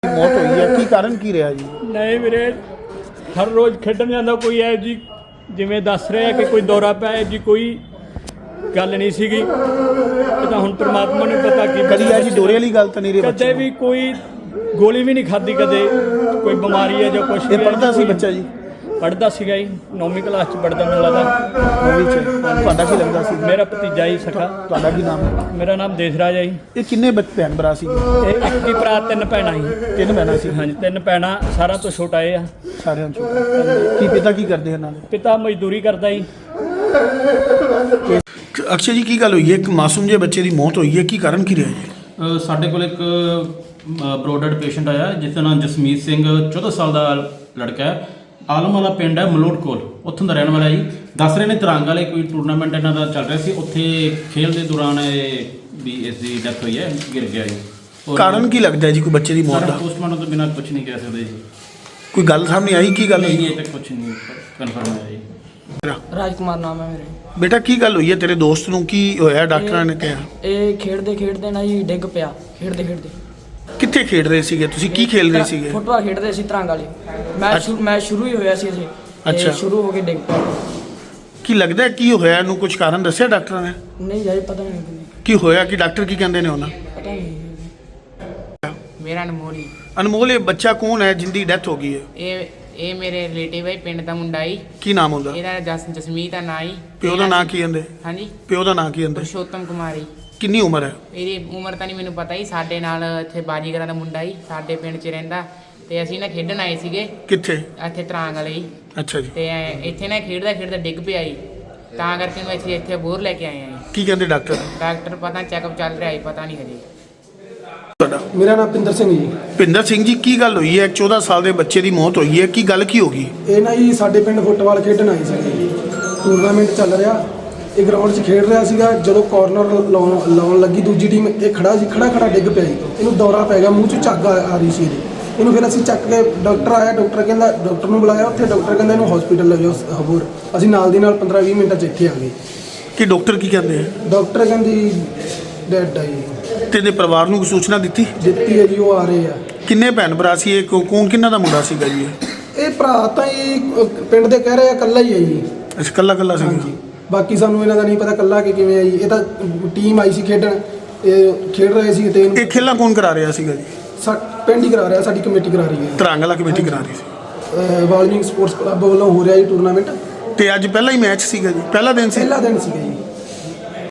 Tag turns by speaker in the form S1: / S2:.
S1: मौत हुई है की कारण की रहा जी?
S2: नहीं वीरे हर रोज़ खेडन जाता कोई है जी जिमें दस रहा कि कोई दौरा पिया है जी कोई गल नहीं सी तो हुण परमात्मा ने पता की
S1: कदी है जी दौरे वाली गल तो नहीं रही
S2: कदे भी कोई गोली भी नहीं खाधी कदे कोई बीमारी है जो कुछ
S1: ये पढ़ता सी बच्चा जी?
S2: पढ़ता सीगा जी 9वीं क्लास च पढ़दा मैनूं लगदा।
S1: नौवीं च ਤੁਹਾਡਾ ਕੀ ਲੱਗਦਾ ਸੀ?
S2: मेरा भतीजा ही सखा।
S1: ਤੁਹਾਡਾ ਕੀ ਨਾਮ ਹੈ?
S2: मेरा नाम देसराज है जी।
S1: ਇਹ ਕਿੰਨੇ ਭੈਣ ਭਰਾ ਸੀ?
S2: ਇਹ ਇੱਕ ਹੀ ਭਰਾ ਤਿੰਨ ਭੈਣਾਂ ਸੀ।
S1: ਤਿੰਨ ਭੈਣਾਂ ਸੀ?
S2: ਹਾਂਜੀ ਤਿੰਨ ਭੈਣਾਂ ਸਾਰਾ ਤੋਂ ਛੋਟਾ ਇਹ ਆ।
S1: ਸਾਰਿਆਂ ਤੋਂ ਛੋਟਾ। ਕੀ ਪਿਤਾ ਕੀ ਕਰਦੇ ਇਹਨਾਂ ਦੇ?
S2: ਪਿਤਾ ਮਜ਼ਦੂਰੀ ਕਰਦਾ ਜੀ।
S1: ਅਕਸ਼ੇ ਜੀ ਕੀ ਗੱਲ ਹੋਈ ਹੈ ਇੱਕ ਮਾਸੂਮ ਜਿਹੇ ਬੱਚੇ ਦੀ ਮੌਤ ਹੋਈ ਹੈ ਕੀ ਕਾਰਨ ਕੀ ਰਿਹਾ ਜੀ?
S3: ਸਾਡੇ ਕੋਲ ਇੱਕ ਬਰੋਡਡ ਪੇਸ਼ੈਂਟ ਆਇਆ ਜਿਸ ਦਾ ਨਾਮ ਜਸਮੀਤ ਸਿੰਘ 14 ਸਾਲ ਦਾ ਲੜਕਾ ਹੈ। ਆਲਮ ਵਾਲਾ ਪਿੰਡ ਹੈ ਮਲੋਟ ਕੋਲ, ਉੱਥੋਂ ਦਾ ਰਹਿਣ ਵਾਲਾ ਜੀ। ਦੱਸ ਰਹੇ ਨੇ ਤਰੰਗ ਵਾਲੇ ਕੋਈ ਟੂਰਨਾਮੈਂਟ ਇਹਨਾਂ ਦਾ ਚੱਲ ਰਿਹਾ ਸੀ, ਉੱਥੇ ਖੇਡ ਦੇ ਦੌਰਾਨ ਵੀ ਇਸ ਦੀ ਡੈਥ ਹੋਈ ਹੈ, ਗਿਰ ਗਿਆ ਜੀ।
S1: ਕਾਰਨ ਕੀ ਲੱਗਦਾ ਹੈ ਜੀ ਕੋਈ ਬੱਚੇ ਦੀ ਮੌਤ ਦਾ?
S3: ਪੋਸਟਮਾਰਟਮ ਤੋਂ ਬਿਨਾਂ ਕੁਝ ਨਹੀਂ ਕਹਿ ਸਕਦੇ ਜੀ।
S1: ਕੋਈ ਗੱਲ ਸਾਹਮਣੇ ਆਈ ਕੀ ਗੱਲ
S3: ਨਹੀਂ
S1: ਹੋਈ?
S3: ਅਜੇ ਤੱਕ ਕੁਝ ਨਹੀਂ ਕਨਫਰਮ ਹੋਇਆ ਜੀ।
S4: ਰਾਜਕੁਮਾਰ ਨਾਮ ਹੈ ਮੇਰੇ।
S1: ਬੇਟਾ ਕੀ ਗੱਲ ਹੋਈ ਹੈ ਤੇਰੇ ਦੋਸਤ ਨੂੰ ਕੀ ਹੋਇਆ ਡਾਕਟਰਾਂ ਨੇ ਕਿਹਾ?
S4: ਇਹ ਖੇਡਦੇ ਨਾ ਜੀ ਡਿੱਗ ਪਿਆ ਖੇਡਦੇ।
S1: ਕਿੱਥੇ ਖੇਡ ਰਹੇ ਸੀਗੇ ਤੁਸੀਂ? ਕੀ ਖੇਲ ਰਹੇ ਸੀਗੇ?
S4: ਫੁੱਟਬਾਲ ਖੇਡਦੇ ਸੀ ਤਰੰਗ ਵਾਲੇ। ਮੈਚ ਸ਼ੁਰੂ ਹੀ ਹੋਇਆ ਸੀ ਅਜੇ।
S1: ਅੱਛਾ।
S4: ਸ਼ੁਰੂ ਹੋ ਕੇ ਡਿੱਗ ਪਿਆ।
S1: ਕੀ ਲੱਗਦਾ ਕੀ ਹੋਇਆ ਇਹਨੂੰ? ਕੁਝ ਕਾਰਨ ਦੱਸਿਆ ਡਾਕਟਰਾਂ ਨੇ?
S4: ਨਹੀਂ ਜਾਈ ਪਤਾ ਨਹੀਂ
S1: ਕੀ ਹੋਇਆ ਕਿ ਡਾਕਟਰ ਕੀ ਕਹਿੰਦੇ ਨੇ ਉਹਨਾਂ?
S4: ਪਤਾ ਨਹੀਂ। ਮੇਰਾ ਅਨਮੋਲ।
S1: ਅਨਮੋਲ ਇਹ ਬੱਚਾ ਕੌਣ ਹੈ ਜਿੰਦੀ ਡੈਥ ਹੋ ਗਈ ਹੈ?
S4: ਇਹ ਮੇਰੇ ਰਿਲੇਟਿਵ ਹੈ ਪਿੰਡ ਦਾ ਮੁੰਡਾ ਹੀ।
S1: ਕੀ ਨਾਮ ਹੁੰਦਾ?
S4: ਇਹਦਾ ਜਸਮੀਤ ਦਾ ਨਾਂ ਹੀ।
S1: ਪਿਓ ਦਾ ਨਾਂ ਕੀ ਕਹਿੰਦੇ?
S4: ਹਾਂਜੀ
S1: ਪਿਓ ਦਾ ਨਾਂ ਕੀ ਕਹਿੰਦੇ?
S4: ਪੁਰਸ਼ੋਤਮ ਕੁਮਾਰੀ।
S1: ਕਿੰਨੀ ਉਮਰ ਹੈ?
S4: ਇਹਦੀ ਉਮਰ ਤਾਂ ਨਹੀਂ ਮੈਨੂੰ ਪਤਾ ਹੀ। ਸਾਡੇ ਨਾਲ ਇੱਥੇ ਬਾਜੀਗਰਾਂ ਦਾ ਮੁੰਡਾ ਹੀ ਸਾਡੇ ਪਿੰਡ 'ਚ ਰਹਿੰਦਾ ਤੇ ਅਸੀਂ ਨਾ ਖੇਡਣ ਆਏ ਸੀਗੇ
S1: ਕਿੱਥੇ?
S4: ਇੱਥੇ ਤਰੰਗ ਵਾਲੇ ਹੀ।
S1: ਅੱਛਾ ਜੀ।
S4: ਤੇ ਇੱਥੇ ਨਾ ਖੇਡਦਾ ਡਿੱਗ ਪਿਆ ਜੀ, ਤਾਂ ਕਰਕੇ ਨੂੰ ਇੱਥੇ ਬੋਰ ਲੈ ਕੇ ਆਏ ਆ ਜੀ।
S1: ਕੀ ਕਹਿੰਦੇ ਡਾਕਟਰ?
S4: ਡਾਕਟਰ ਪਤਾ ਚੈੱਕਅਪ ਚੱਲ ਰਿਹਾ ਹੈ, ਪਤਾ ਨਹੀਂ ਹਜੇ।
S1: ਤੁਹਾਡਾ?
S5: ਮੇਰਾ ਨਾਮ ਪਿੰਦਰ ਸਿੰਘ ਜੀ।
S1: ਭਿੰਦਰ ਸਿੰਘ ਜੀ ਕੀ ਗੱਲ ਹੋਈ ਹੈ? 14 ਸਾਲ ਦੇ ਬੱਚੇ ਦੀ ਮੌਤ ਹੋਈ ਹੈ, ਕੀ ਗੱਲ ਕੀ ਹੋ ਗਈ?
S5: ਇਹ ਨਾ ਜੀ ਸਾਡੇ ਪਿੰਡ ਫੁੱਟਬਾਲ ਖੇਡਣ ਆਏ ਸੀ। ਟੂਰਨਾਮੈਂਟ ਚੱਲ ਰਿਹਾ, ਇਹ ਗਰਾਊਂਡ 'ਚ ਖੇਡ ਰਿਹਾ ਸੀਗਾ। ਜਦੋਂ ਕਾਰਨਰ ਲਾਉਣ ਲੱਗੀ ਦੂਜੀ ਟੀਮ, ਇਹ ਖੜਾ ਡਿੱਗ ਪਿਆ ਜੀ। ਇਹਨੂੰ ਦੌਰਾ ਪੈ ਗਿਆ, ਮੂੰਹ 'ਚ ਝੱਗ ਆ ਰਹੀ ਸੀ ਇਹਨੂੰ। ਫਿਰ ਅਸੀਂ ਚੱਕ ਕੇ ਡਾਕਟਰ ਆਇਆ, ਡਾਕਟਰ ਨੂੰ ਬੁਲਾਇਆ ਉੱਥੇ। ਡਾਕਟਰ ਕਹਿੰਦਾ ਇਹਨੂੰ ਹਸਪੀਟਲ ਲੈ ਜਾਓ ਹਬੂਰ। ਅਸੀਂ ਨਾਲ ਦੀ ਨਾਲ 15-20 ਮਿੰਟਾਂ 'ਚ ਇੱਥੇ ਆ ਗਏ।
S1: ਕੀ ਡਾਕਟਰ ਕੀ ਕਹਿੰਦੇ ਆ?
S5: ਡਾਕਟਰ ਕਹਿੰਦੀ ਡੈਡ ਆ ਜੀ।
S1: ਤੇ ਇਹਦੇ ਪਰਿਵਾਰ ਨੂੰ ਕੋਈ ਸੂਚਨਾ ਦਿੱਤੀ
S5: ਹੈ ਜੀ, ਉਹ ਆ ਰਹੇ ਆ।
S1: ਕਿੰਨੇ ਭੈਣ ਭਰਾ ਸੀ ਇਹ? ਕੌਣ ਕਿੰਨਾ ਦਾ ਮੁੰਡਾ ਸੀਗਾ ਜੀ
S5: ਇਹ ਭਰਾ ਤਾਂ ਜੀ ਪਿੰਡ ਦੇ ਕਹਿ ਰਹੇ ਆ ਇਕੱਲਾ ਹੀ ਹੈ ਜੀ।
S1: ਅੱਛਾ ਕੱਲਾ ਸੀ?
S5: ਹਾਂਜੀ, ਬਾਕੀ ਸਾਨੂੰ ਇਹਨਾਂ ਦਾ ਨਹੀਂ ਪਤਾ ਕੱਲਾ ਕਿ ਕਿਵੇਂ ਆ ਜੀ। ਇਹ ਤਾਂ ਟੀਮ ਆਈ ਸੀ ਖੇਡਣ, ਇਹ ਖੇਡ ਰਹੇ ਸੀ ਤੇ
S1: ਇਹ ਖੇਲਾਂ ਕੌਣ ਕਰਾ ਰਿਹਾ ਸੀਗਾ ਜੀ?
S5: ਪਿੰਡ ਹੀ ਕਰਾ ਰਿਹਾ, ਸਾਡੀ ਕਮੇਟੀ ਕਰਾ ਰਹੀ ਹੈ।
S1: ਤਰੰਗ ਵਾਲਾ ਕਮੇਟੀ ਕਰਾ ਰਹੀ ਸੀ।
S5: ਵਾਲਮੀਕ ਸਪੋਰਟਸ ਕਲੱਬ ਵੱਲੋਂ ਹੋ ਰਿਹਾ ਜੀ ਟੂਰਨਾਮੈਂਟ।
S1: ਤੇ ਅੱਜ ਪਹਿਲਾ ਹੀ ਮੈਚ ਸੀਗਾ ਜੀ? ਪਹਿਲਾ ਦਿਨ ਸੀ?
S5: ਪਹਿਲਾ ਦਿਨ ਸੀਗਾ ਜੀ।